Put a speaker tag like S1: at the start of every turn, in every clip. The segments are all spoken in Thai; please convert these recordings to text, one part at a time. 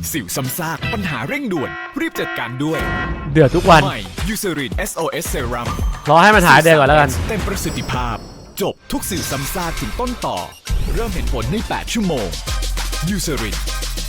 S1: สิวซ้ำซากปัญหาเร่งด่วนรีบจัดการด้วย
S2: เดือดทุกวัน
S1: ใหม่ยูเซริน SOS Serum
S2: รอให้มันหายเดือดก่อนแล้วกัน
S1: เต็มประสิทธิภาพจบทุกสิวซ้ำซากถึงต้นต่อเริ่มเห็นผลใน8ชั่วโมงยูเซริน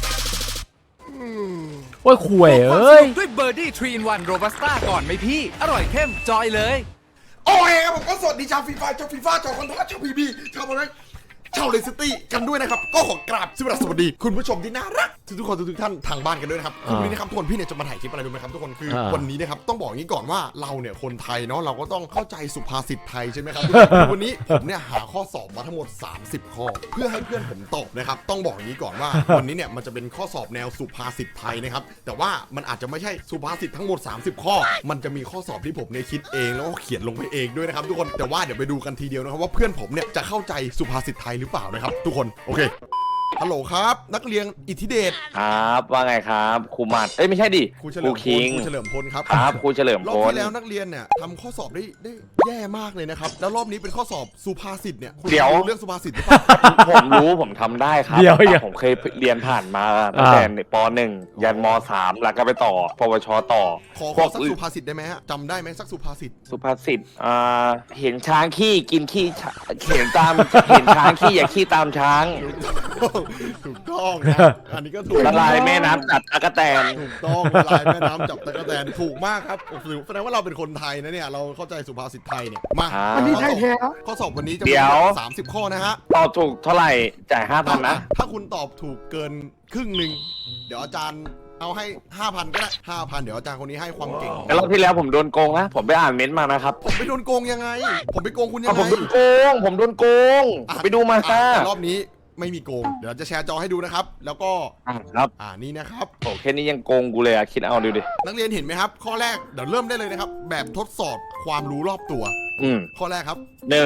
S2: โอ้ยข่วยเอ้ย
S3: ด้วยเบอร์ดี้ทรีอินวันโรบัสต้าก่อนไหมพี่อร่อยเข้มจอยเลย
S4: โอเคครับผมก็สวัสดีชาวฟีฟ่าชาวคอนทัสชาวพีบีชาวอะไรชาวเลสตี้กันด้วยนะครับก็ขอกราบสวัสดีคุณผู้ชมที่น่ารักทุกคนทุกท่านทางบ้านกันด้วยนะครับวันนี้นะครับทุกคนพี่เนี่ยจะมาถ่ายคลิปอะไรรู้ไหมครับทุกคนคือวันนี้นะครับต้องบอกอย่างนี้ก่อนว่าเราเนี่ยคนไทยเนาะเราก็ต้องเข้าใจสุภาษิตไทยใช่ไหมครับวันนี้ผมเนี่ยหาข้อสอบมาทั้งหมด30ข้อเพื่อให้เพื่อนผมตอบนะครับต้องบอกอย่างนี้ก่อนว่าวันนี้เนี่ยมันจะเป็นข้อสอบแนวสุภาษิตไทยนะครับแต่ว่ามันอาจจะไม่ใช่สุภาษิตทั้งหมด30ข้อมันจะมีข้อสอบที่ผมเนี่ยคิดเองแล้วก็เขียนลงไปเองด้วยนะครับทุกคนแต่ว่าเดี๋ยวไปดูกันทีเดียวนะครับว่าเพื่อนผมเนี่ยจะเข้าใจสุภาษิตไทยหรือเปล่านะครับทุกคนโอเคฮัลโหลครับนักเรียนอิทธิเดช
S5: ครับว่าไงครับครูมัดไม่ใช่ดิ
S4: ครูเฉลิมพลครูเฉลิมพลครับ
S5: ครับครูเฉลิมพล
S4: รอบที่แล้วนักเรียนเนี่ยทำข้อสอบได้แย่มากเลยนะครับแล้วรอบนี้เป็นข้อสอบสุภาษิตเนี่ย
S5: เดี๋ยว
S4: เรื่องสุภาษิตหรือเปล่า
S5: ผมรู้ผมทำได้ครับผมเคยเรียนผ่านมาตั้งแต่ป.1 ยันม.3 แล้วก็ไปต่อปวชต่อ
S4: ขอสักสุภาษิตได้ไหมฮะจำได้ไหมสักสุภาษิต
S5: เห็นช้างขี้กินขี้เห็นช้างขี้อย่าขี้ตามช้าง
S4: ถูกต้องนะอันนี้ก็ถูก
S5: ละลายแม่น้ำจับตะกั่วแตน
S4: ถูกต้องละลายแม่น้ำจับตะกั่วแตนถูกมากครับแสดงว่าเราเป็นคนไทยนะเนี่ยเราเข้าใจสุภาษิตไทยเนี่ยมา
S6: อันนี้ไทยแท้
S4: ข้อสอบวันนี้จะมี30ข้อนะฮะ
S5: ตอบถูกเท่าไหร่จ่าย 5,000 นะ
S4: ถ้าคุณตอบถูกเกินครึ่งหนึ่งเดี๋ยวอาจารย์เอาให้ 5,000 ก็ได้ 5,000 เดี๋ยวอาจารย์คนนี้ให้ความเก่ง
S5: แต่รอบที่แล้วผมโดนโกงนะผมไปอ่านเม้นต์มานะครับ
S4: ผมไปโดนโกงยังไงผมไปโกงคุณยังไง
S5: ผมโดนโกงไปดูมาค่ะ
S4: รอบนี้ไม่มีโกงเดี๋ยวจะแชร์จอให้ดูนะครับแล้วก็
S5: ครับ
S4: นี่นะครับ
S5: โอ้แค่นี้ยังโกงกูเลยคิดเอาดูดิ
S4: นักเรียนเห็นไหมครับข้อแรกเดี๋ยวเริ่มได้เลยนะครับแบบทดสอบความรู้รอบตัวข้อแรกครับ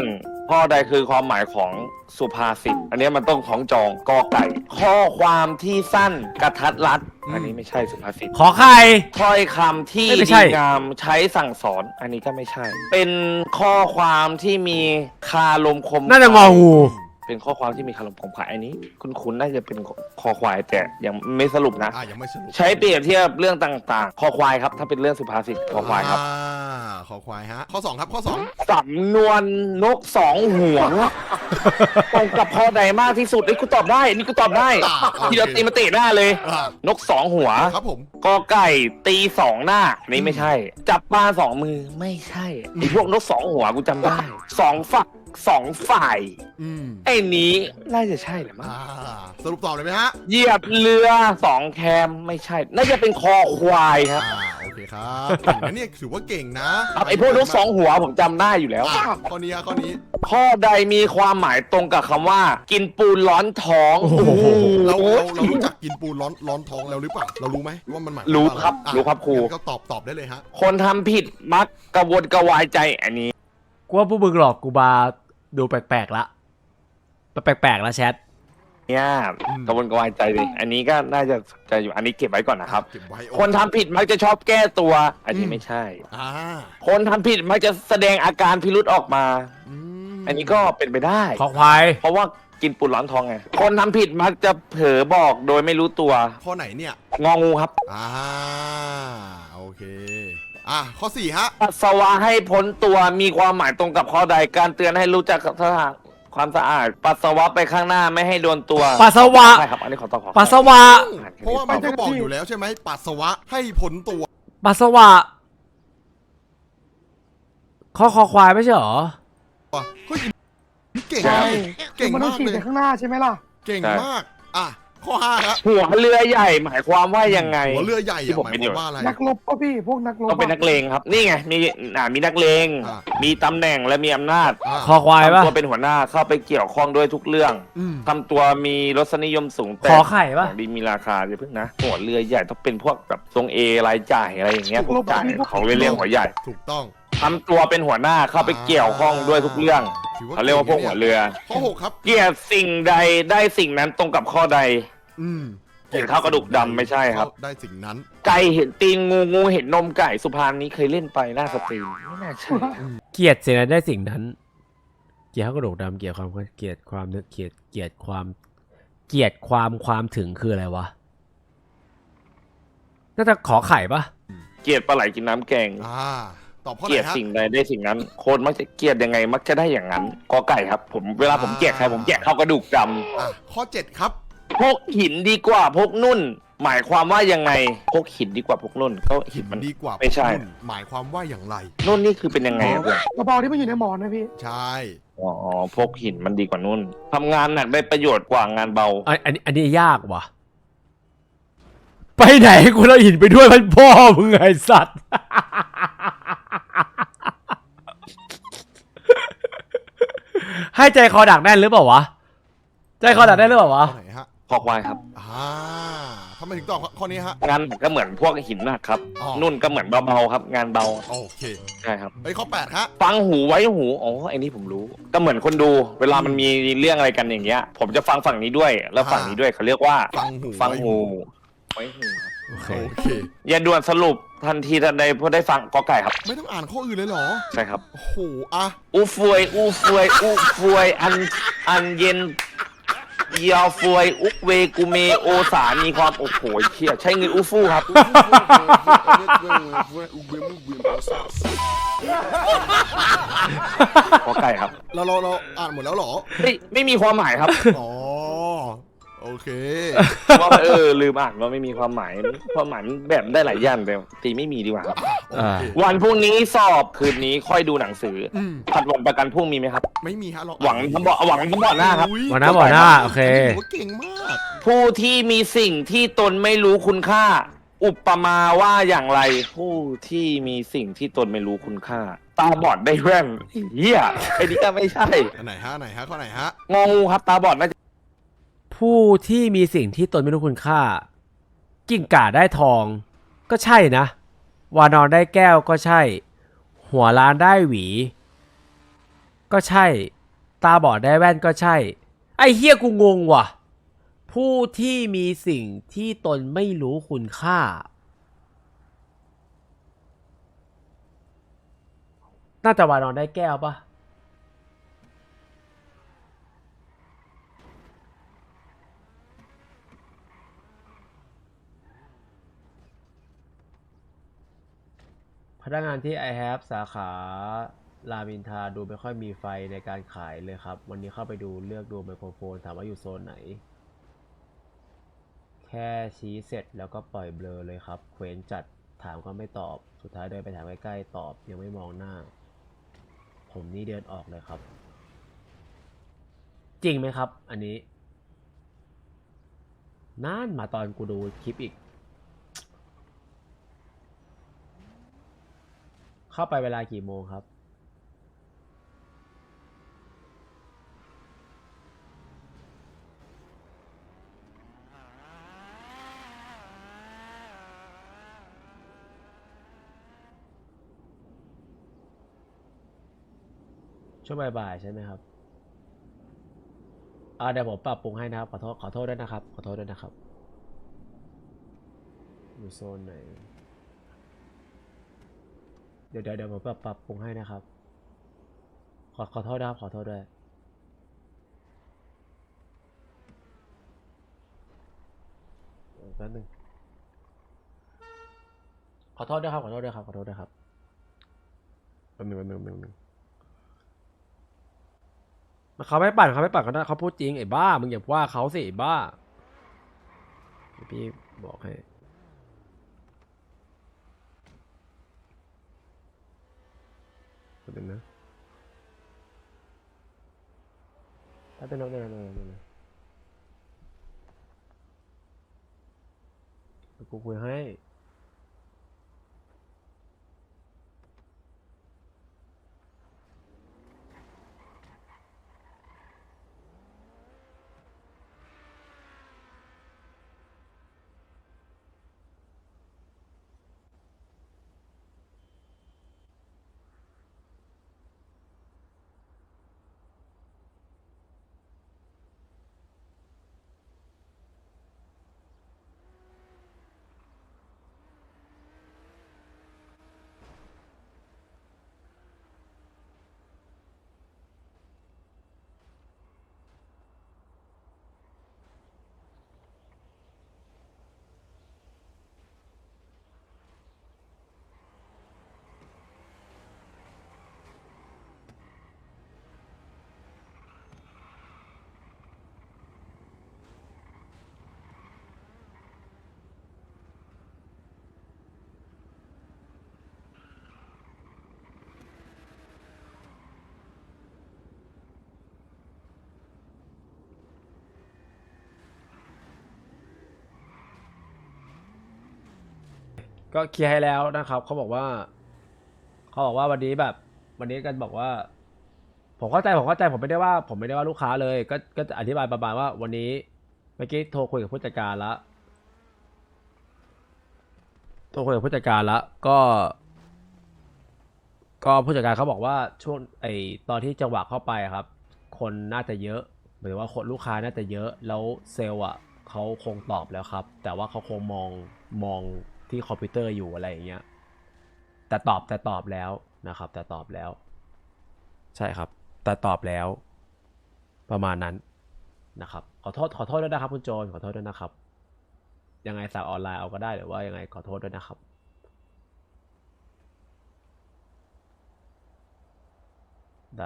S5: 1ข้อใดคือความหมายของสุภาษิตอันนี้มันต้องของจองกอไก่ข้อความที่สั้นกระทัดรัดอันนี้ไม่ใช่สุภาษิต
S2: ขอไข่
S5: ถ้อยคำที่ดีงามใช้สั่งสอนอันนี้ก็ไม่ใช่เป็นข้อความที่มีคาลมคม
S2: น่าจะงองู
S5: เป็นข้อความที่มีคำลมคมขายอันนี้คุ้นน่าจะเป็นคอควายแต่ยังไม่สรุปนะ
S4: ยังไม่สรุป
S5: ใช้เปรียบเทียบเรื่องต่างๆคอควายครับถ้าเป็นเรื่องสุภาษิตคอควายครับ
S4: คอควายฮะข้อ2ครับข้อ2
S5: สำนวนนก2หัวตรงกับข้อใดมากที่สุดกูตอบได้นี่กูตอบได้ที่เราตีมาเตะหน้าเลยนก2หัว
S4: ครับผม
S5: กอไก่ตี2หน้านี่ไม่ใช่จับปลา2มือไม่ใช่ไอพวกนก2หัวกูจำได้2ฝัก2ฝ่ายไอ้นี้น่าจะใช่แหละมั้ง
S4: สรุปตอบเลยไหมฮะ
S5: เหยียบเรือ2แคมไม่ใช่น่าจะเป็นคอควายครับ
S4: โอเคครับเก่งนะเนี่ยถือว่าเก่งนะ
S5: ไอ้พวกนก2หัวผมจำได้อยู่แล้ว
S4: ข้อนี้
S5: ข้อใดมีความหมายตรงกับคำว่ากินปูนร้อนท้อง
S4: เรารู้จักกินปูนร้อนท้องแล้วหรือเปล่าเรารู้ไหมว่ามันหมาย
S5: รู้ครับครู
S4: ก็ตอบได้เลยฮะ
S5: คนทำผิดมักกระวนกระวายใจอันนี้
S2: กูว่าพวกมึงหลอกกูบาดูแปลกๆละแปลกๆแล้วแชท
S5: เนี่ยกระวนกระวายใจดิอันนี้ก็น่าจะใจอยู่อันนี้เก็บไว้ก่อนนะครับคนทำผิดมักจะชอบแก้ตัวอันนี้ไม่ใช่คนทำผิดมักจะแสดงอาการพิรุธออกมาอันนี้ก็เป็นไปได้
S2: ขอควาย
S5: เพราะว่ากินปูนร้อนทองไงคนทำผิดมักจะเผลอบอกโดยไม่รู้ตัว
S4: ข้อไหนเนี่ย
S5: งองูครับ
S4: โอเคข้อ4ฮะ
S5: ปัสสาวะให้พ้นตัวมีความหมายตรงกับข้อใดการเตือนให้รู้จักความสะอาดปัสสาวะไปข้างหน้าไม่ให้โดนตัว
S2: ปัสสาวะ
S5: ใช่ครับอันนี้ขอตอบ
S2: ปัสสาวะ
S4: เพราะว่ามันก็บอกอยู่แล้วใช่ไหมปัสสาวะให้พ้นตัว
S2: ปัสสาวะข้อคอควายไม่ใช่หรอ
S4: เฮ้ยเก่ง
S6: มากเลยข้างหน้าใช่ไหมล่ะ
S4: เก่งมากข้อ5ครับ
S5: หัวเรือใหญ่หมายความว่ายังไง
S4: หัวเรือใหญ่หมายความว่าอะไร
S6: นักรบป่ะพี่พวกนักรบ
S5: ต้องเป็นนักเลงครับนี่ไงมีนักเลงมีตำแหน่งและมีอำนาจ
S2: คอควายป่ะ
S5: ตัวเป็นหัวหน้าเข้าไปเกี่ยวข้องด้วยทุกเรื่องทำตัวมีรสนิยมสูงแต่
S2: ขอไข่ป่ะ
S5: ดีมีราคาอย่าเพิ่งนะหัวเรือใหญ่ต้องเป็นพวกแบบทรงเอรายจ่ายอะไรอย่างเงี้ยพวกจ่ายเขาเรียกหัวใหญ่
S4: ถูกต้อง
S5: ทำตัวเป็นหัวหน้าเข้าไปเกี่ยวข้องด้วยทุกเรื่องเขาเรียกว่าพวกหัวเรือ
S4: ข้อ6ครับ
S5: เกี่ยวสิ่งใดได้สิ่งนั้นตรงกับข้อใดเห็นข้าวกระดูกดำไม่ใช่ครับ
S4: ได้สิ่งนั้น
S5: ไก่เห็นตีนงูเห็นนมไก่สุพรรณนี้เคยเล่นไปหน้าสตรีมไม่น่าใช่
S2: เกียรติสิ่งนั้นได้สิ่งนั้นเกียรติข้าวกระดูกดำเกียรติความเกียรติความนึกเกียรติความถึงคืออะไรวะน่าจะขอไข่ปะ
S5: เกลียดปลาไหลกินน้ำแกง
S4: ตอบข้อ
S5: เก
S4: ไห
S5: ลี
S4: น
S5: ยด
S4: ฮะ
S5: สิ่งใดได้สิ่งนั้น โคนมักจะเกลียดยังไง มักจะได้อย่างนั้นกอไก่ครับ ผมเวลาผมแจกใครผมแจกเข้ากระดูกด
S4: ข้อ 7 ครับ
S5: ำพกหินดีกว่าพกนุ่น หมายความว่ายังไงพกหินดีกว่าพกนุ่นก็หินมัน
S4: ดีกว่า
S5: ไม่ใช่
S4: นุ่นหมายความว่าอย่างไร
S5: นุ่นนี่คือเป็นยังไงอะเพื่อน
S6: กระเป๋าที่มันอยู่ในหมอนนะพี่
S4: ใช่
S5: อ๋อพกหินมันดีกว่านุ่นทำงานหนักได้ประโยชน์กว่างานเบา
S2: อันนี้ยากว่ะ ไปไหนกูเราหินไปด้วยมันพ่อมึงไงสัตว์ ให้ใจคอดักแน่นหรือเปล่าวะ ใจคอดักแน่นหรือเปล่าวะ
S4: ข้อไหนฮะ
S5: พอกไวครับ
S4: ทำไมถึงตอบข้อนี้ฮะ
S5: งานหนักก็เหมือนพวกหินหนักครับ
S4: อ๋อ
S5: นุ่นก็เหมือนเบาๆครับ งานเบา
S4: โอเค
S5: ใช่ครับ
S4: ข้อ 8 ฮะ
S5: ฟังหูไว้หูอ๋อไอ้นี่ผมรู้ ก็เหมือนคนดู เวลามันมีเรื่องอะไรกันอย่างเงี้ย ผมจะฟังฝั่งนี้ด้วย แล้วฝั่งนี้ด้วยเขาเรียกว่า
S4: ฟังหู
S5: ไว้หูครับ
S2: โอเค
S4: โอเค
S5: อย่าด่วนสรุปทันทีทันใดพอได้ฟังกอไก่ครับ
S4: ไม่ต้องอ่านข้ออื่นเลยเหรอ
S5: ใช่ครับ
S4: โอ้โห อ่ะ
S5: อูฟวยอันเย็นยาฟวยอุกเวกูเมโอสามีความโอ้โหเชี่ยใช้เงินอูฟูครับ กอไก่ครับ
S4: เราอ่านหมดแล้วเหรอ
S5: ไม่มีความหมายครับ
S4: อ๋อ โอเค
S5: ว่าลืมอ่านว่าไม่มีความหมายความหมายมันแบบได้หลายอย่างแต่ตีไม่มีดีกว่าครับ
S4: โอเค
S5: วันพรุ่งนี้สอบคืนนี้ค่อยดูหนังสืออ
S4: ม
S5: ผัดวันประกันพรุ่งมีไหมครับ
S4: ไม่มีฮะเรา
S5: หวังทั้งบ่อหน้าครับ
S4: อุ๊ย
S2: บ่อหน้าบ่อหน้าโอเค
S4: นนี้ถือว่าเก่งมาก
S5: ผู้ที่มีสิ่งที่ตนไม่รู้คุณค่า อุปมาว่าอย่างไร ผู้ที่มีสิ่งที่ตนไม่รู้คุณค่า ตาบอดได้แว่นเฮียไอ้นี่ก็ไม่ใช่
S4: อันไหนฮะข้อไหนฮะ
S5: งองูครับตาบอดน่าจะ
S2: ผู้ที่มีสิ่งที่ตนไม่รู้คุณค่า กิ่งก่าได้ทอง ก็ใช่นะ วานอนได้แก้วก็ใช่ หัวล้านได้หวี ก็ใช่ ตาบอดได้แว่นก็ใช่ ไอ้เฮียกูงงว่ะ ผู้ที่มีสิ่งที่ตนไม่รู้คุณค่า น่าจะวานอนได้แก้วปะพนักงานที่ I have สาขารามอินทราดูไม่ค่อยมีไฟในการขายเลยครับ วันนี้เข้าไปดูเลือกดูไมโครโฟนถามว่าอยู่โซนไหน แค่ชี้เสร็จแล้วก็ปล่อยเบลอเลยครับเคว้นจัดถามก็ไม่ตอบสุดท้ายเดินไปถามใกล้ๆตอบยังไม่มองหน้า ผมนี่เดินออกเลยครับ จริงไหมครับ อันนี้นั่นมาตอนกูดูคลิปอีก เข้าไปเวลากี่โมงครับ ช่วงบ่ายๆใช่ไหมครับ เดี๋ยวผมปรับปรุงให้นะครับ ขอโทษด้วยนะครับ ขอโทษด้วยนะครับ อยู่โซนไหน เดี๋ยวผมปรับปรุงให้นะครับ ขอโทษนะครับ ขอโทษด้วยแป๊บนึงขอโทษด้วยครับ ขอโทษด้วยครับ ขอโทษด้วยครับแป๊บนึงเขาไม่ปั่นเขาได้เขาพูดจริงไอ้บ้า มึงอย่าว่าเขาสิไอ้บ้าเดี๋ยวพี่บอกให้แป๊บนึงนะแป๊บนึงกูคุยให้ก็เคลียร์ให้แล้วนะครับเขาบอกว่าวันนี้แบบวันนี้กันบอกว่า ผมเข้าใจผมไม่ได้ว่าลูกค้าเลยก็จะอธิบายประมาณว่าวันนี้เมื่อกี้โทรคุยกับผู้จัดการแล้วก็ผู้จัดการเขาบอกว่าช่วงตอนที่จังหวะเข้าไปครับ คนน่าจะเยอะหมายถึงว่าคนลูกค้าน่าจะเยอะแล้วเซลล์อ่ะเขาคงตอบแล้วครับ แต่ว่าเขาคงมองที่คอมพิวเตอร์อยู่อะไรอย่างเงี้ยแต่ตอบแล้วนะครับแต่ตอบแล้วใช่ครับแต่ตอบแล้วประมาณนั้นนะครับขอโทษด้วยนะครับคุณโจนขอโทษด้วยนะครับยังไงสั่งออนไลน์เอาก็ได้หรือว่ายังไงขอโทษด้วยนะครับได้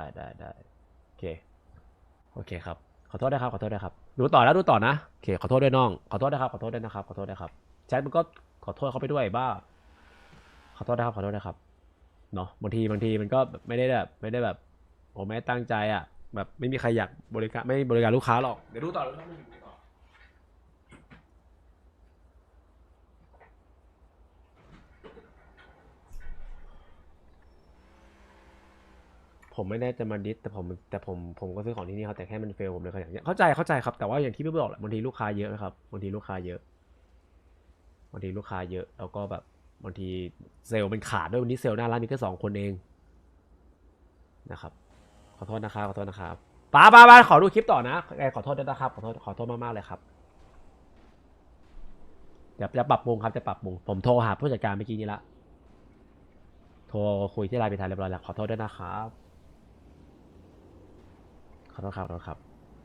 S2: โอเคครับขอโทษด้วยครับดูต่อนะโอเคขอโทษด้วยน้องขอโทษนะครับแชทมันก็ขอโทษเขาไปด้วยบ้าขอโทษนะครับเนาะบางทีมันก็ไม่ได้แบบโอ้ไม่ตั้งใจอ่ะแบบไม่มีใครอยากบริการลูกค้าหรอกเดี๋ยวดูต่อผมไม่ได้จะมาดิสแต่ผมก็ซื้อของที่นี่ครับแต่แค่มันเฟลผมเลยขยันเข้าใจครับแต่ว่าอย่างที่พี่บอกแหละบางทีลูกค้าเยอะนะครับบางทีลูกค้าเยอะแล้วก็แบบบางทีเซลล์มันขาดด้วยวันนี้เซลล์หน้าร้านมีแค่2 คนเองนะครับขอโทษนะครับป้าขอดูคลิปต่อนะขอโทษด้วยนะครับขอโทษมากๆเลยครับจะปรับปรุงครับผมโทรหาผู้จัดการเมื่อกี้นี้ละโทรคุยที่ไลน์ไปทางเรียบร้อยแล้วขอโทษด้วยนะครับขอโทษครับ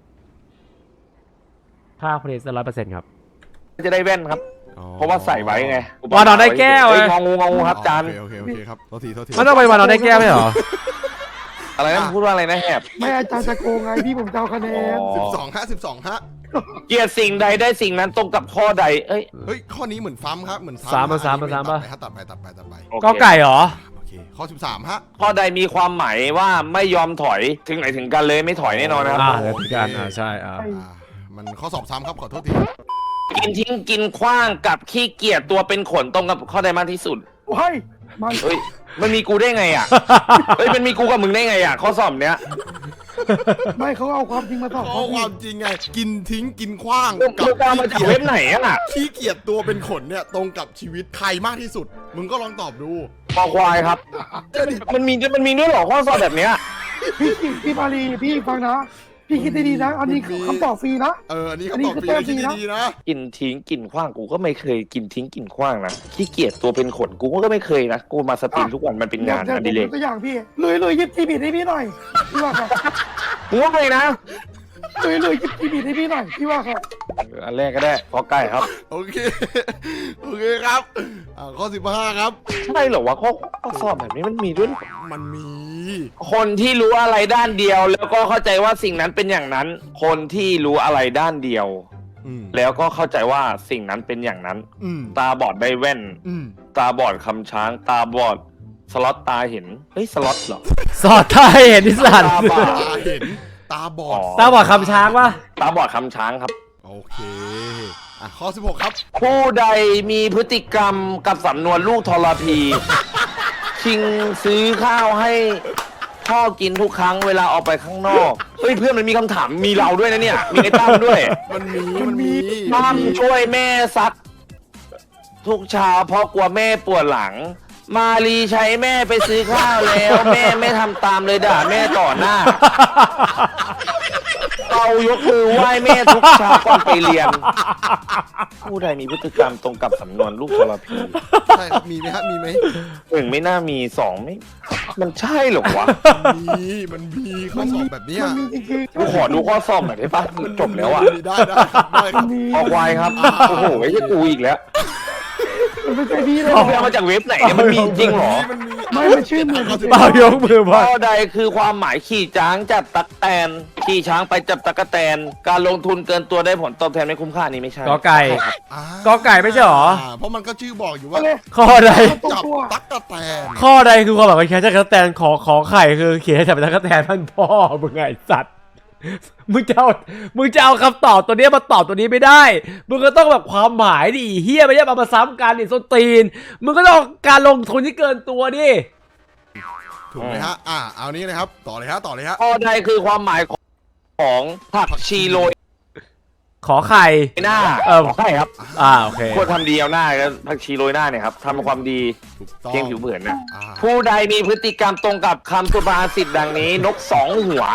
S2: ค่าผลิต100%ครับ
S5: จะได้แว่นครับ เพราะว่าใส่ไว้ไง
S2: วานอนได้แก้ว
S5: งองูครับจาน
S4: โอเคครับโทษที
S2: มันต้องไปวานอนได้แก้วไหมเหรอ
S5: อะไรนะพูดว่าอะไรนะแหบ
S6: ไม่อาจารย์จะโกงไงพี่ผมจะเอาคะแนน
S4: 12 ฮะ
S5: เกลียดสิ่งใดได้สิ่งนั้นตรงกับข้อใดเอ้ย
S4: เฮ้ยข้อนี้เหมือนซ้ำครับเหมือน
S2: ซ้ำ
S4: อันนี้
S2: ป่ะ
S4: ตัดไป
S5: โอเค
S2: ก็ไก่เหรอ
S4: โอเคข้อ13 ฮะ
S5: ข้อใดมีความหมายว่าไม่ยอมถอยถึงไหนถึงกันเลยไม่ถอยแน่นอนนะครับ
S2: เดี๋ยวถึงกันใช่
S4: มันข้อสอบซ้ำครับขอโทษที
S5: กินทิ้งกินขว้างกับขี้เกียจตัวเป็นขนตรงกับข้อใดมากที่สุด
S6: ว้ายมัน
S5: เฮ้ยมันมีกูได้ไงอ่ะ เฮ้ยมันมีกูกับมึงได้ไงอ่ะข้อสอบเนี้ย
S6: ไม่เขาเอาความจริงมาสอบ
S4: ข้อความจริงไงกินทิ้งกินขว้าง
S5: มึงเอามาจากเว็บไหนอ่ะ
S4: ขี้เกียจตัวเป็นขนเนี่ยตรงกับชีวิตใครมากที่สุด มึงก็ลองตอบดู
S5: คอควายครับ มันมีด้วยเหรอข้อสอบแบบเนี้ย
S6: พี่มารีพี่ฟังนะพี่คิดดีๆนะอันนี้คือคำตอบฟรีนะ
S4: อันนี้คำตอบฟรีคิดดีๆนะ
S5: กินทิ้งกินขว้างกูก็ไม่เคยกินทิ้งกินขว้างนะขี้เกียจตัวเป็นขนกูก็ไม่เคยนะกูมาสตรีมทุกวันมันเป็นงานอดิเรก
S6: ตัวอย่างพี่เลยยิบจีบีให้พี่หน่อยพี่ว่าครับ
S5: มึงว่าไงนะ
S6: เลยยิบจีบีให้พี่หน่อยพี่ว่าครับ
S5: อันแรกก็ได้ข้อใกล้ครับ
S4: โอเคครับข้อ15 ครับ
S5: ใช่เหรอวะข้อสอบแบบนี้มันมีด้วย
S4: มันมี
S5: คนที่รู้อะไรด้านเดียว แล้วก็เข้าใจว่าสิ่งนั้นเป็นอย่างนั้น คนที่รู้อะไรด้านเดียว แล้วก็เข้าใจว่าสิ่งนั้นเป็นอย่างนั้น ตาบอดได้แว่น ตาบอดคำช้าง ตาบอดสล็อตตาเห็นเฮ้ยสล็อตเหรอ
S2: สอดใต้เห็นนิสัน
S5: ตาบอด
S4: ตาเห็นตาบอด
S2: ตาบอดคำช้างปะ
S5: ตาบอดคำช้างครับ
S4: โอเคข้อ16 ครับ
S5: ผู้ใดมีพฤติกรรมกับสำนวนลูกทรพี ชิงซื้อข้าวให้พ่อกินทุกครั้งเวลาออกไปข้างนอกเฮ้ยเพื่อนมันมีคำถามมีเราด้วยนะเนี่ยมีไอ้ตั้มด้วย
S4: มันมี
S5: ตั้มช่วยแม่ซักทุกเช้าเพราะกลัวแม่ปวดหลัง มารีใช้แม่ไปซื้อข้าวแล้ว แม่ไม่ทำตามเลยด่าแม่ต่อหน้าเรายกมือไหว้แม่ทุกเช้าก่อนไปเรียน ผู้ใดมีพฤติกรรมตรงกับสำนวนลูกทรพี
S4: ใช่ครับมีไหมครับมีไหม
S5: 1ไม่น่ามี2ไม่มันใช่เหรอวะ
S4: มันมีข้อสอบแบบนี้
S6: มันมีจริงๆ
S5: กูขอดูข้อสอบหน่อยได้ปะจบแล้วอ่ะ
S4: ได้ครับ
S5: ออกไวครับโอ้โหไอ้ที่กูอีกแล้ว
S6: มันไม่ใช่พี่เลย
S5: เอาไปเอามาจากเว็บไหนเนี่ยมันมีจริงเหรอ
S6: ไม่มันชื่อเหมือนกัน
S2: เปล่ายกมือพอ
S5: ข้อใดคือความหมายขี่ช้างจับตักแตนขี่ช้างไปจับตักแตนการลงทุนเกินตัวได้ผลตอบแทนไม่คุ้มค่านี้ไม่ใช่
S2: กอไก่กอไก่ไม่ใช่หรอ
S4: เพราะมันก็ชื่อบอกอยู่ว่า
S2: ข้อใด
S4: จับตั๊กแตน
S2: ข้อใดคือความหมายของแคชจักรแตนขอไข่คือเขียนให้จับเป็นตั๊กแตนท่านพ่อมึงไงสัตว์มึงจะเอาคำตอบตัวเนี้ยมาตอบตัวนี้ไม่ได้ มึงก็ต้องแบบความหมายดิเฮียไม่ใช่มาซ้ำกันดิส้นตีน มึงก็ต้องการลงทุนที่เกินตัวดิ
S4: ถูกไหมฮะเอานี้เลยครับต่อเลยฮะ
S5: ข้อใดคือความหมายของผักชีโรย
S2: ขอไข่
S5: หน้าใช่ครับ
S2: โอเค
S5: ควรทำดีเอาหน้าแล้วผักชีโรยหน้าเนี่ยครับทำความดี
S4: ถูกต้อง
S5: เพียงผิวเผินนะ
S4: อ่า
S5: ผู้ใดมีพฤติกรรมตรงกับคำสุภาษิตดังนี้ นกสองหัว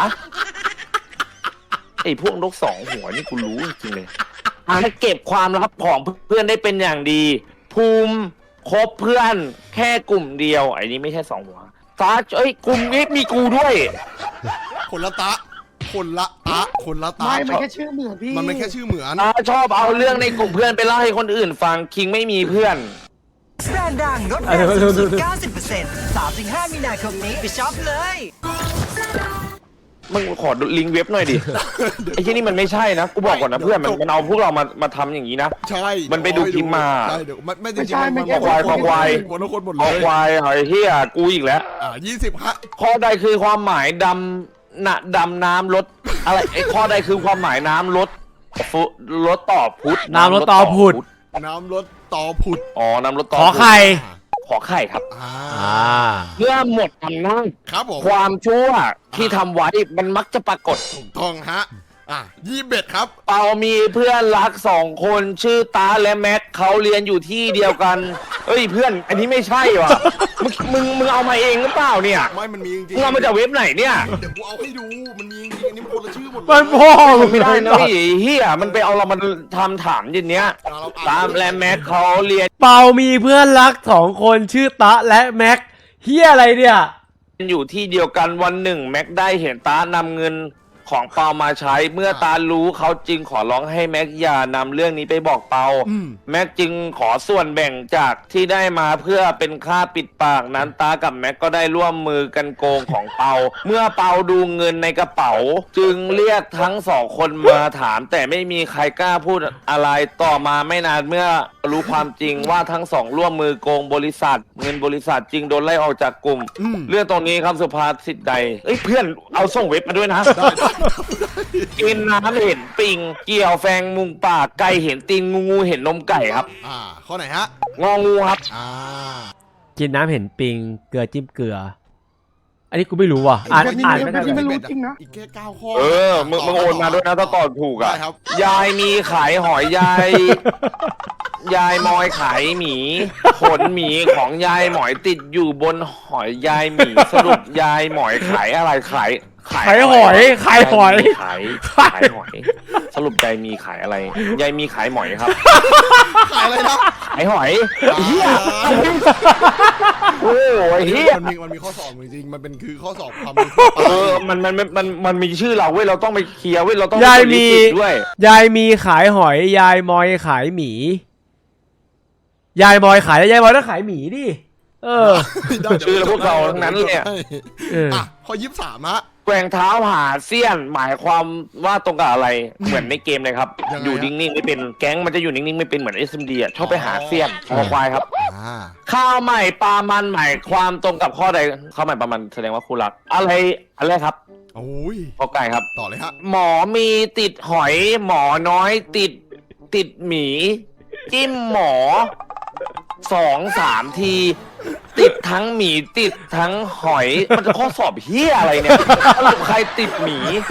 S5: ไอ้พวกนกสองหัวนี่กูรู้จริงเลยเก็บความลับของเพื่อนได้เป็นอย่างดี ภูมิคบเพื่อนแค่กลุ่มเดียวไอ้นี้ไม่ใช่สองหัวตากลุ่มนี้มีกูด้วย
S4: คนละตะ
S6: ไม่มันแค่ชื่อเหมือนพี่
S4: มันไม่แค่ชื่อเหมือน
S5: ชอบเอาเรื่องในกลุ่มเพื่อนไปเล่าให้คนอื่นฟังคิงไม่มีเพื่อน
S7: แบรนด์ดังลดแรงสูงสุด 90% 3-5 มีนาคมนี้ไปช็อปเลย
S5: มึงขอลิงก์เว็บหน่อยดิ ไอ้ที่นี่มันไม่ใช่นะ กูบอกก่อนนะเพื่อนมันเอาพวกเรามาทำอย่างนี้นะ
S4: ใช่
S5: มันไปดูคลิปมา
S4: ใช่เดี๋ยวไม่จ
S6: ไม่
S4: ริง
S6: ใช่
S4: ๆ
S6: ไม่
S4: มัน
S6: ใช่
S5: ควาย
S4: คนหมด
S5: เอา
S4: เลย
S5: ควายไอ้เฮียกูอีกแล้ว
S4: 20ฮะ
S5: ข้อใดคือความหมายดำน้ำลดอะไรไอ้ข้อใดคือความหมายน้ำลดลดต่อพุทธ
S2: น้ำลดต่อพุทธ
S4: น้ำรถต่อผุด
S5: อ๋อน้ำลดต่อ
S2: ขอไข่
S5: ขอไข่ครับ เมื่อหมดอำนาจ
S4: ครับผม
S5: ความชั่วที่ทำไว้มันมักจะปรากฏ
S4: ถูกต้องฮะ21ครับ
S5: เปามีเพื่อนรัก2 คนชื่อตาและแม็กเขาเรียนอยู่ที่เดียวกันเอ้ยเพื่อนอันนี้ไม่ใช่ว่ะ มึงเอามาเองหรือเปล่าเนี่ย
S4: ไม่มันมีจริง
S5: มึงเอามาจากเว็บไหนเนี่ย
S4: เดี๋ยวกูเอาให้ดูมันมีจริงอันนี้มันคนละชื่อหมดเลย
S2: มันพ่อมึง
S5: ไม่ได้นะ
S2: เลย
S5: พี่เฮียมันไปเอาเรามาทำถามอย่างเนี้ยตามและแม็กเขาเรียน
S2: เปามีเพื่อนรัก2 คนชื่อตะและแม็กเฮียอะไรเนี่ย
S5: อยู่ที่เดียวกันวันหนึ่งแม็กได้เห็นตานำเงินของเปามาใช้เมื่อตารู้เขาจึงขอร้องให้แม็กอย่านำเรื่องนี้ไปบอกเปาแม็กจึงขอส่วนแบ่งจากที่ได้มาเพื่อเป็นค่าปิดปากนั้นตากับแม็กก็ได้ร่วมมือกันโกงของเปาเมื่อเปาดูเงินในกระเป๋า จึงเรียกทั้ง2 คนมาถาม แต่ไม่มีใครกล้าพูดอะไรต่อมาไม่นานเมื่อรู้ความจริงว่าทั้งสองร่วมมือโกงบริษัท เงินบริษัทจึงโดนไล่ออกจากกลุ่ม เรื่องตรงนี้ครับสุภาษิตใดเอ้ยเพื่อนเอาส่งเว็บมาด้วยนะ กินน้ำเห็นปิง เกี่ยวแฟงมุงปากไก่เห็นตีนงูเห็นนมไก่ครับ
S4: ข้อไหนฮะ
S5: งองูครับ
S2: กินน้ำเห็นปิงเกลือจิ้มเกลือ อันนี้กูไม่รู้ว่ะอ่านไม่ได้
S6: ไม่รู้จริงนะ
S4: อีกแค่9ข้อ
S5: มึงโอนมาด้วยนะถ้าตอบถูกอ่ะ
S4: ได้ครับ
S5: ยายมีขายหอยยาย ยายมอยขายหมีขนหมีของยายหมอยติดอยู่บนหอยยายหมีสรุปยายหมอยขายอะไรขาย
S2: ขายหอย
S5: ขายหอยสรุปยายมีขายอะไรยายมีขายหมอยครับ
S4: ขายอะไรนะ
S5: ขายหอยเฮียโอ้ยเฮีย
S4: มันมีข้อสอบจริงๆมันเป็นคือข้อสอบความรู้ทั่วไป
S5: มันมีชื่อเราเว้ยเราต้องไปเคลียร์เว้ยเราต้อง
S2: ยายมี
S5: ด้วย
S2: ยายมีขายหอยยายมอยขายหมียายมอยขายแล้วยายมอยต้องขายหมีดิ
S5: ชื่อพวกเราทั้งนั้นเลย
S4: ข้อ23ฮะ
S5: แกว่งเท้าหาเสี้ยนหมายความว่าตรงกับอะไรเหมือนในเกมเลยครับ
S4: ยังไง
S5: อยู่นิ่งๆไม่เป็นแก๊งมันจะอยู่นิ่งๆไม่เป็นเหมือน SMD อ่ะชอบไปหาเสี้ยนคอควายครับ ข้าวใหม่ปลามันหมายความตรงกับข้อใดข้าวใหม่ปลามันแสดงว่าคู่รักอะไรครับ
S4: โอ้ย
S5: ข้อไก่ครับ
S4: ต่อเลยฮะ
S5: หมอมีติดหอย หมอน้อยติดหมี จิ้มหมอ2-3 ที ติดทั้งหมีติดทั้งหอยมันจะข้อสอบเฮียอะไรเนี่ยสรุปใครติดหมี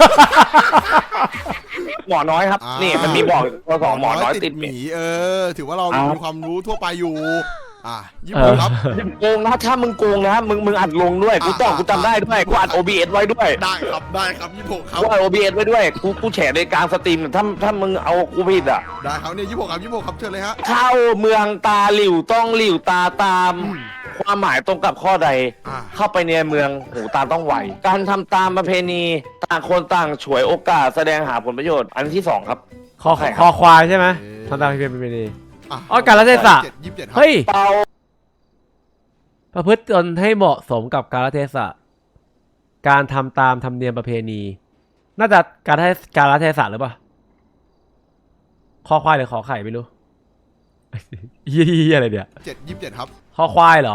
S5: หมอน้อยครับ นี่มันมีบอกข้อสอบหมอน้อยติดหมี
S4: ถือว่าเรามีความรู้ทั่วไปอยู่26ครับ
S5: โกงนะถ้ามึงโกงนะมึงอัดลงด้วยกูจำได้ด้วยกูอัด OBS ไว้ด้วย
S4: ได้ครับ26ครับ
S5: กูอัด OBS ไว้ด้วยกูแฉในกลางสตรีมถ้ามึงเอากูผิดอ่ะ
S4: ได้ครับเนี่ย26ครับเชิญเลยฮะ
S5: เข้าเมืองตาหลิวต้องหลิวตาตาม ความหมายตรงกับข้อใด เข้าไปในเมืองหูตาต้องไวการทำตามประเพณีต่างคนต่างฉวยโอกาสแสดงหาผลประโยชน์อันที่ 2 ครับ
S2: คอควายใช่ไหมทำตามที่เป็นดีกาลเทศะ
S4: 27
S2: เฮ้ย
S5: เปา
S2: ประพฤติตนให้เหมาะสมกับกาลเทศะการทำตามธรรมเนียมประเพณี น่าจะกาลเทศะหรือเปล่าคอควายหรือขอไข่ไม่รู้ ยี่อะไรเนี่ย
S4: 27ครับ
S2: คอควายเหรอ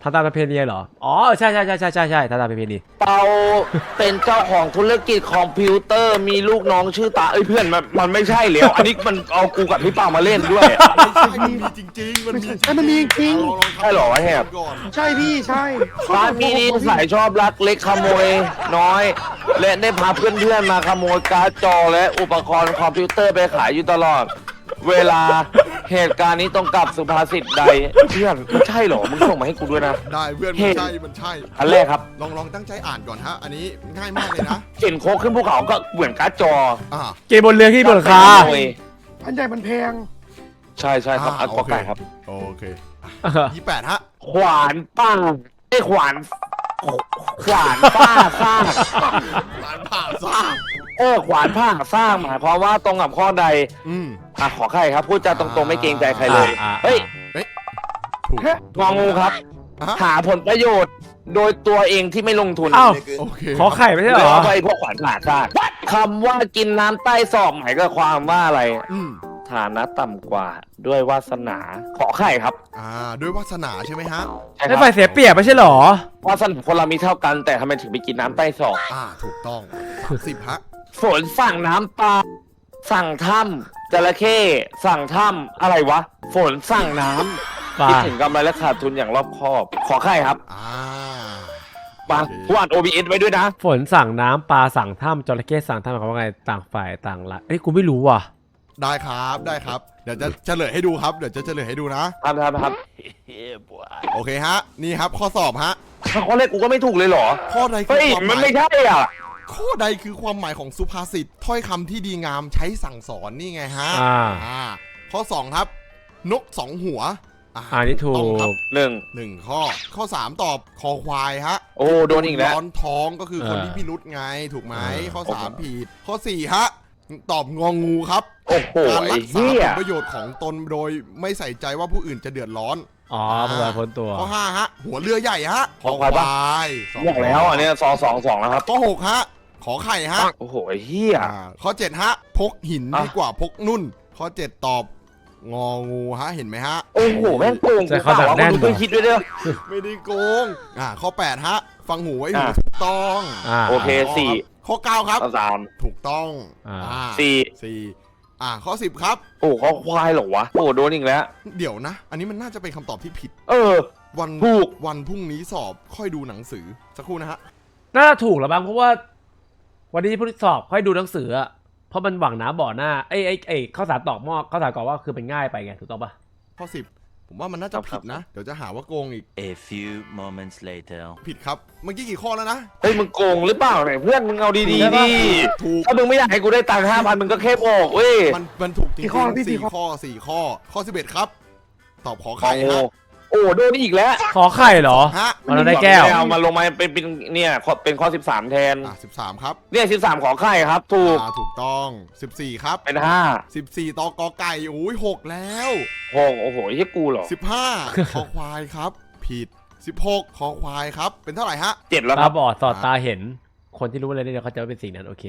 S2: ทำตามประเพณีเหรอ อ๋อใช่ทำตามประเพณี
S5: เปาเป็นเจ้าของธุรกิจคอมพิวเตอร์มีลูกน้องชื่อตาเอ้ยเพื่อนมันไม่ใช่แล้วอันนี้มันเอากูกับพี่เปามาเล่นด้วย
S4: ไม่ใช่มันมีจริงๆมันมี
S6: มันมีจริง
S4: ลองทำ
S5: ใช่เหรอวะแหบ
S4: ก่อน
S6: ใช่พี่ใช่
S5: ร้านมีนิสัยชอบลักเล็กขโมยน้อย และได้พาเพื่อนๆมาขโมยการ์ดจอและอุปกรณ์คอมพิวเตอร์ไปขายอยู่ตลอด เวลาเหตุการณ์นี้ตรงกับสุภาษิตใดเพื่อนไม่ใช่เหรอมึงส่งมาให้กูด้วยนะ
S4: ได้เพื่อน
S5: เห็
S4: มัน
S5: น
S4: ใช่
S5: อันแรกครับ
S4: ลองตั้งใจอ่านก่อนฮะ อันนี้ง่ายมากเลยนะ
S5: เข็นโคกขึ้นภูเขาก็เหมือนการ์ดจอ
S4: อ่า
S2: เกมบนเรือที่บนหลังคา
S5: ขโมย
S6: อันใหญ่มันแพง
S5: ใช่ครับอันกอไก่ครับ
S4: โอเค28ฮะ
S5: ขวานป้าไอ้ขวานป้าสร้าง
S4: หลานผ่าซ่า
S5: ขวานผ้าสร้างหมายความว่าตรงกับข้อใด
S4: อืม
S5: ขอใครครับพูดจาตรงๆไม่เกรงใจใครเลย เฮ้ย
S4: ถูก
S5: งองูครับ
S4: ฮะ
S5: หาผลประโยชน์โดยตัวเองที่ไม่ลงทุน
S2: อ้าว
S4: โอเค
S2: ขอไข่ไม่ใช่เหร
S5: แล้ว
S2: อ
S5: ไปพวกขวานผ่าซากคำว่ากินน้ำใต้ศอกหมายก็ความว่าอะไร
S4: อืม
S5: ฐานะต่ำกว่าด้วยวาสนา ขอไข่ครับ
S4: ด้วยวาสนาใช่ไหมฮะ
S5: ใช่ค
S2: ไอ้
S5: รับ
S2: ฝ่ายเสียเปรียบไม่ใช่เหรอ
S5: วาสนาคนเรามีเท่ากันแต่ทำไมถึงไปกินน้ำใต้ศอก
S4: ถูกต้อง10ฮะ
S5: ฝนสั่งน้ำปลาสั่งถ้ำจระเข้สั่งถ้ำอะไรวะ ฝนสั่งน้
S2: ปลา
S5: ำคิดถึงกำไรและขาดทุนอย่างรอบคอบ ขอไข่ครับ
S4: อ่า
S5: ปาผู้อ่าน OBS ไว้ด้วยนะ
S2: ฝนสั่งน้ำปลาสั่งถ้ำจระเข้สั่งถ้ำหมายความว่าไงต่างฝ่ายต่างละเอ้ยกูไม่รู้ว่ะ
S4: ได้ครับได้ครับ เดี๋ยวจะเฉลยให้ดูครับ เดี๋ยวจะเฉลยให้ดูนะ
S5: ครับ
S4: โอเคฮะ นี่ครับข้อสอบฮะ
S5: ถ้าข้อแรกกูก็ไม่ถูกเลยเหรอ
S4: ข้อใดคื
S5: เฮ้
S4: อย ความห
S5: มัน
S4: มาย
S5: ไม่ใช่อ่ะ
S4: ข้อใดคือความหมายของสุภาษิตถ้อยคำที่ดีงามใช้สั่งสอนนี่ไงฮะ ข้อ 2 ครับ นกสองหัว
S2: นี่ถู
S4: ต้องครับ
S2: ก
S4: 1 ข้อ 3 ตอบคอควายฮะ
S5: โอ้โดนอีกแล้ว
S4: ร้อนท้องก็คือคนที่พิรุษไงถูกไหมข้อ 3 ผิด ข้อ 4 ฮะ ตอบงองูครับ
S5: โอ้โห
S4: การ
S5: ไอ้
S4: รักษา
S5: เหี้
S4: ผ
S5: ย
S4: ลประโยชน์ของตนโดยไม่ใส่ใจว่าผู้อื่นจะเดือดร้อน
S2: อ๋อเพื่อพ้นตัว
S4: ข้อ 5 ฮะ หัวเรือใหญ่ฮะ
S5: ขอควายปะ
S4: สอง
S5: บอกแล้วอันเนี้ย2 แล้วครับ
S4: ข้อ 6 ฮะ ขอไข่ฮะ
S5: โอ้โหไอ้เหี้ย
S4: ข้อ 7 ฮะ พกหิน
S5: อ่ะ
S4: ดีกว่าพกนุ่น ข้อ 7 ตอบงองูฮะ เห็นไหมฮะ
S5: โอ้โหแม่งโกง
S2: แต่
S5: กู
S2: เขา
S5: เปล่า
S2: ดัก
S5: วะ
S2: แน่น
S5: มึงช่วยคิดด้วยเด้อ
S4: ไม่ได้โกง ข้อ 8 ฮะ ฟังหูไว้หู
S5: อ่ะ
S4: ถูกต้อง
S5: โอเค
S4: ข้อ 9 ครับ
S5: ข้อ3
S4: ถูกต้อง
S5: สี่
S4: ข้อ 10 ครับ
S5: โอ้เขาควายเหรอวะโอ้โดนอีกแล้ว
S4: เดี๋ยวนะ อันนี้มันน่าจะเป็นคำตอบที่ผิด
S5: เออ
S4: วัน
S5: ถูก
S4: วันพรุ่งนี้สอบค่อยดูหนังสือ สักครู่นะฮะ
S2: น่าจะถูกแล้วบ้างเพราะว่า วันนี้ผู้สอบค่อยดูหนังสืออะเพราะมันหวังน้ำบ่อหน้าข้าวสารตอกหม้อข้าวสารกรอกว่าคือเป็นง่ายไปไงถูกต้องปะ
S4: ข้อ 10 ผมว่ามันน่าจะผิดนะ เดี๋ยวจะหาว่าโกงอีก
S8: A few moments later.
S4: ผิดครับ เมื่อกี้กี่ข้อแล้วนะ
S5: เฮ้ยมึงโกงหรือเปล่าเนี่ยเพื่อนมึงเอาดีๆดิ
S4: ถูก
S5: ถ้ามึงไม่อยากให้กูได้ตังค์5,000มึงก็แค่บอกเว้ย
S4: มันถูกจริง
S6: กี่ข้อพี่
S4: ๆ
S6: สี่
S4: 4
S6: ข้อ
S4: ข้อ ข้อ 11 ครับ ตอบขอ
S5: ขอ
S4: ไข่
S5: งโง่
S4: ฮะ
S5: โอ้โดนอีกแล้ว
S2: ขอไข่เหรอ
S4: ฮะ
S2: มันได้แก้ว
S5: เอามาลงมาเป็นเนี่ยเป็นข้อ13แทน
S4: 13 ครับ
S5: เนี่ย13ขอไข่ครับ ถูก
S4: ถูกต้อง 14 ครับ
S5: เป็น
S4: 14 ตอกอไก่โอ้ย6แล้ว
S5: 5 6โอ้โหไอ้เหี้ยกูเหรอ
S4: 15 คอควายครับ ผิด 16 คอควายครับ เป็นเท่าไหร่ฮะ
S5: 7แล้วค
S2: ตา
S5: รับ
S2: บอดสอดตาเห็น คนที่รู้อะไรเนี่ยเขาจะว่าเป็นสิ่งนั้นโอเค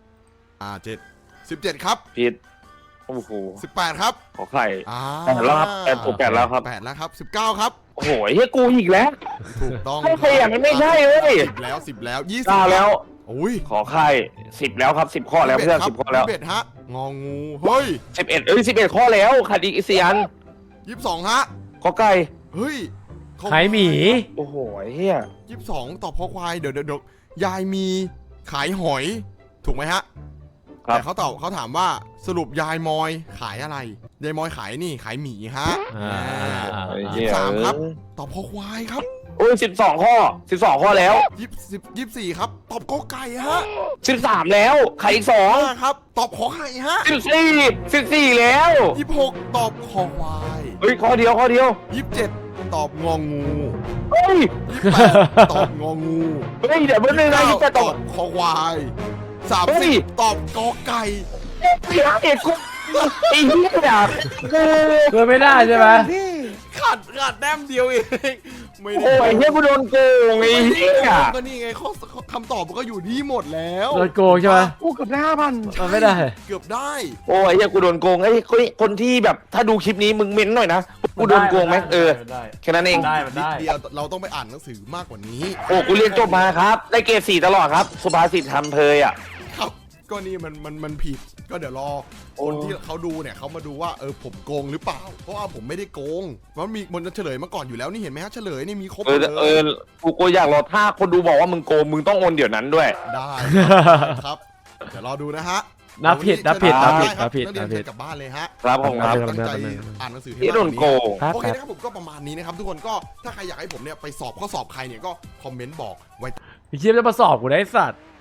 S4: 7 17 ครับ
S5: ผิดโอ้โห
S4: 18 ครับ
S5: ขอไข่
S4: 8
S5: 8แล้วครับ8ถูก8แล้วครับ
S4: แล้วครับ 19 ครับ
S5: โอ้โหไอ้เหี้ยกูอีกแล้ว
S4: ถูกต้อง
S5: ไม่ใช่อ่ะมันไม่ใช่เว้ย
S4: 10 แล้ว 10 แล้ว 20
S5: 9แล้ว
S4: โอ้ย
S5: ขอไข่10แล้วครับ10ข้อแล้วเพื่อน10ข้อแล้ว
S4: 21ฮะ งองู เฮ้ย
S5: 11ข้อแล้วขาดอีก4อัน
S4: 22 ฮะ
S5: ขอไก่
S4: เฮ้ย
S2: ขายหมี
S5: โอ้โหไอ้เหี้ย
S4: 22 ตอบคอควาย เดี๋ยวยายมีขายหอย ถูกไหมฮะ
S5: ครับ
S4: แต่เขาถามว่าสรุปยายมอยขายอะไร ยายมอยขายนี่ขายหมีฮะ
S5: ไอ้เหี้ย
S4: 23 ครับ ตอบคอควายครับ
S5: โอ้ย12ข้อ12ข้อแล้ว
S4: 24 ครับ ตอบกอไก่ฮะ
S5: 13แล้วไข่อีก
S4: 5ครับ ตอบขอไข่ฮะ
S5: 14แล้ว
S4: 26 ตอบคอควาย
S5: เฮ้ยข้อเดียว
S4: 27 ตอบงองู
S5: เฮ้ย
S4: 28 ตอบงองู
S5: เฮ้ยเดี๋ยวเมื่อนึงนะที่จะต
S4: ต
S5: อ
S4: อ
S5: บบ
S4: คอควาย
S5: เฮ้ย
S4: 30 ตอบกอไก่
S5: เอกกูไอ้เหี้ยอ่ะ
S2: เพื่อไม่ได้ใช่ไหม
S6: พี่
S4: ขาดแต้มเดียวเองไม่
S5: โอ้
S4: ได้
S5: ยเหี้ยกูโดนโกงไอ้เหี้ย
S4: ก็นี่ไงคำตอบมันก็อยู่ที่หมดแล้ว
S2: โดนโกงใช่ไหม
S6: อู้เกือบได้5,000
S2: มันไม่ได้
S4: เกือบได้
S5: โอ้ยเหี้ยกูโดนโกงไอ้คนที่แบบถ้าดูคลิปนี้มึงเม้นหน่อยนะกูโดนโกงไหมแค่นั้นเอง
S2: มันได้
S4: นิดเดียวเราต้องไปอ่านหนังสือมากกว่านี้
S5: โอ้กูเรียนจบมาครับได้เกรด4ตลอดครับสุภาษิตทำเพยอ่ะ
S4: ครับก็นี่มันผิดก็เดี๋ยวรอคนที่เขาดูเนี่ยเขามาดูว่าผมโกงหรือเปล่าเพราะว่าผมไม่ได้โกงมันจะเฉลยมาก่อนอยู่แล้วนี่เห็นไหมฮะเฉลยนี่มีครบหมดเลย
S5: กูอยากรอถ้าคนดูบอกว่ามึงโกงมึงต้องโอนเดี๋ยวนั้นด้วย
S4: ได้ครับเดี๋ยวรอดูนะฮะ
S2: นับผิด
S4: นักเรียน
S2: นับผิด
S4: กลับบ้านเลยฮะ
S5: ครับผมครับ
S4: ตั้งใจอ่านหนังสือให้
S5: ที่โดนโกง
S2: ครับ
S4: โอเคนะครับผมก็ประมาณนี้นะครับทุกคนก็ถ้าใครอยากให้ผมเนี่ยไปสอบข้อสอบใครเนี่ยก็คอมเมนต์บอกไว้
S2: ไอ้เชี่ยจะมาสอบกูได้ไอ้สัตว์